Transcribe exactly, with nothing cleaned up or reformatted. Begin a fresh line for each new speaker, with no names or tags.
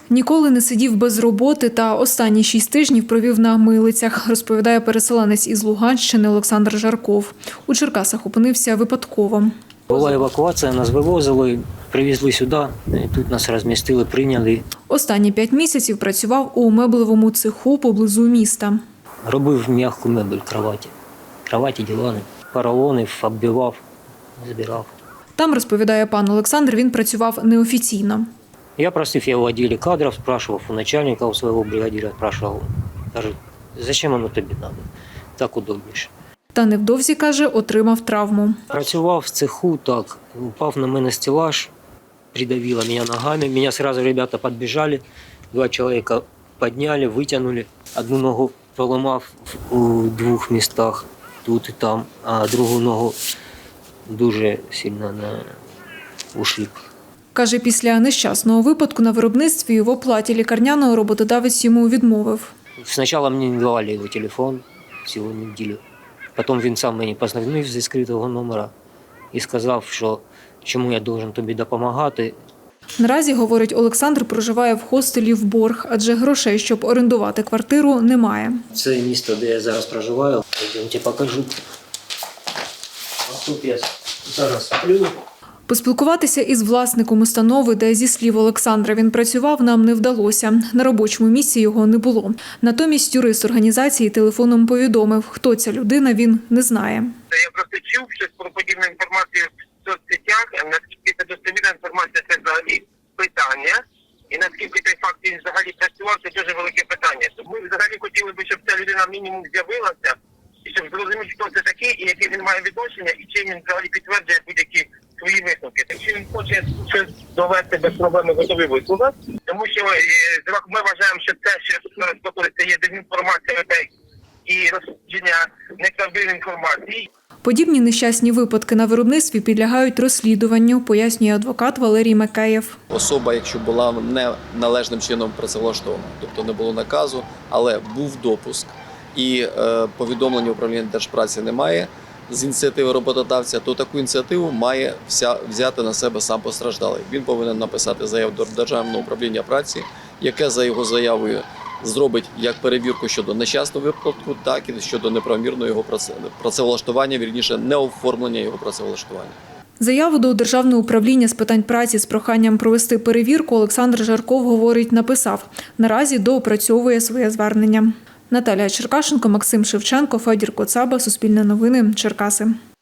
Ніколи не сидів без роботи та останні шість тижнів провів на милицях, розповідає переселенець із Луганщини Олександр Жарков. У Черкасах опинився випадково.
Була евакуація, нас вивозили, привезли сюди, тут нас розмістили, прийняли.
Останні п'ять місяців працював у меблевому цеху поблизу міста.
Робив м'яку мебель, кроваті. Кроваті, дивани, поролони, оббивав, збирав.
Там, розповідає пан Олександр, він працював неофіційно.
Я просив його в відділі кадрів, спрашивав у начальника, у свого бригадира, спрашивав. Каже, зачем воно тобі треба? Так удобніше.
Та невдовзі, каже, отримав травму.
Працював в цеху, так, упав на мене стеллаж, придавило мене ногами. Мене одразу ребята підбіжали, два чоловіка підняли, витягнули. Одну ногу поламав у двох містах, тут і там, а другу ногу дуже сильно на ушиб.
Каже, після нещасного випадку на виробництві в оплаті лікарняного роботодавець йому відмовив.
Спочатку мені не давали його телефон цілу неділю. Потім він сам мені позвонив зі скритого номера і сказав, що чому я повинен тобі допомагати.
Наразі, говорить Олександр, проживає в хостелі в борг, адже грошей, щоб орендувати квартиру, немає.
Це місто, де я зараз проживаю. Йдемте покажу. А тут я зараз сплю.
Поспілкуватися із власником установи, де, зі слів Олександра, він працював, нам не вдалося. На робочому місці його не було. Натомість юрист організації телефоном повідомив, хто ця людина, він не знає.
Я просто чув щось про подібну інформацію в соцсетях. Наскільки це достовірна інформація, це взагалі питання. І наскільки цей факт він взагалі працював, це дуже велике питання. Тому ми взагалі хотіли б, щоб ця людина мінімум з'явилася, і щоб зрозуміти, хто це такий, і яке він має відношення, і чим він взагалі підтверджує будь-які свої висновки. Якщо він хоче щось довести без проблеми, готові висловити. Тому що ми вважаємо, що це, що знаходиться, є дезінформація і розповсюдження неправдивої інформації.
Подібні нещасні випадки на виробництві підлягають розслідуванню, пояснює адвокат Валерій Макеєв.
Особа, якщо була не належним чином працевлаштована, тобто не було наказу, але був допуск і е, повідомлення управління держпраці немає з ініціативи роботодавця, то таку ініціативу має вся, взяти на себе сам постраждалий. Він повинен написати заяву до Державного управління праці, яке за його заявою зробить як перевірку щодо нещасного випадку, так і щодо неправомірного його працевлаштування, вірніше, неоформлення його працевлаштування.
Заяву до Державного управління з питань праці з проханням провести перевірку Олександр Жарков, говорить, написав. Наразі доопрацьовує своє звернення. Наталія Черкашенко, Максим Шевченко, Федір Коцаба, Суспільне новини, Черкаси.